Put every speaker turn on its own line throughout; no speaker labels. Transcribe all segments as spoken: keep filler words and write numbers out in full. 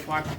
факт,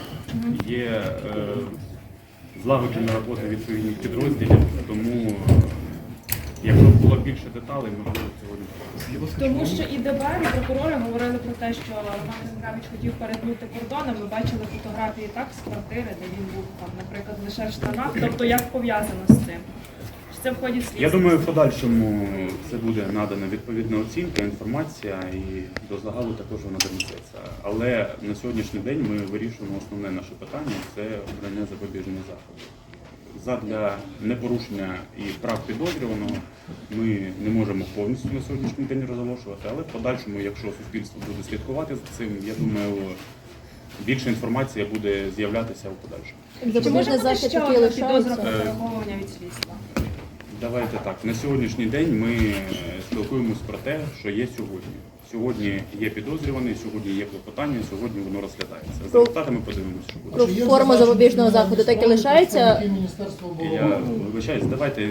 є е, злагоджена робота відповідних підрозділів, тому е, якщо б було більше деталей, можливо, сьогодні.
Тому що і ДБР, і прокурори говорили про те, що Роман Зінкевич хотів перетнути кордони. Ми бачили фотографії так з квартири, де він був, там, наприклад, лише в штанах. Тобто як пов'язано з цим? Чи це в ході слідства?
Я думаю, в подальшому це буде надана відповідна оцінка, інформація і до загалу також вона донесеться. Але на сьогоднішній день ми вирішуємо основне наше питання – це обрання запобіжних заходів. Задля непорушення і прав підозрюваного ми не можемо повністю на сьогоднішній день розголошувати, але в подальшому, якщо суспільство буде слідкувати за цим, я думаю, більше інформація буде з'являтися у подальшому.
Чи може бути
захід
ще
такий
одна підозра
лишається?
про переховування від слідства?
Давайте так, на сьогоднішній день ми спілкуємось про те, що є сьогодні. Сьогодні є підозрюваний, сьогодні є клопотання, сьогодні воно розглядається. За результатами подивимося, що буде.
Про форму запобіжного заходу так і лишається?
Міністерства
Я
оборони.
вибачаюсь, давайте,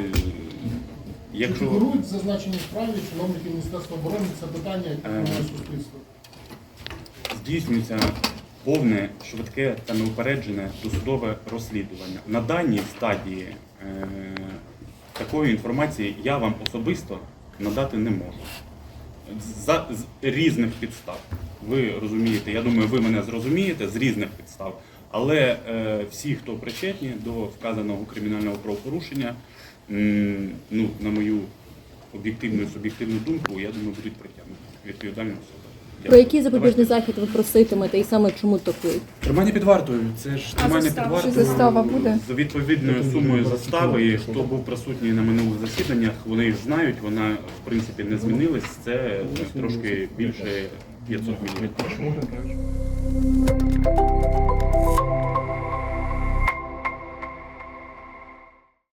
якщо
Фігурують зазначені справі чиновники Міністерства оборони, це питання, яке хвилює суспільство.
здійснюється повне, швидке та неупереджене досудове розслідування. На даній стадії е, такої інформації я вам особисто надати не можу. За з різних підстав. Ви розумієте, я думаю, ви мене зрозумієте, з різних підстав. Але е, всі, хто причетні до вказаного кримінального правопорушення, м, ну, на мою об'єктивну і суб'єктивну думку, я думаю, будуть притягнуті відповідальні особи.
Про який запобіжний захід ви проситимете і саме чому такий?
Тримання під вартою. Це ж тримання під
застава?
вартою.
Чи застава буде?
За відповідною сумою застави. І хто був присутній на минулих засіданнях, вони ж знають, вона в принципі не змінилась. Це трошки більше п'ятсот мільйонів.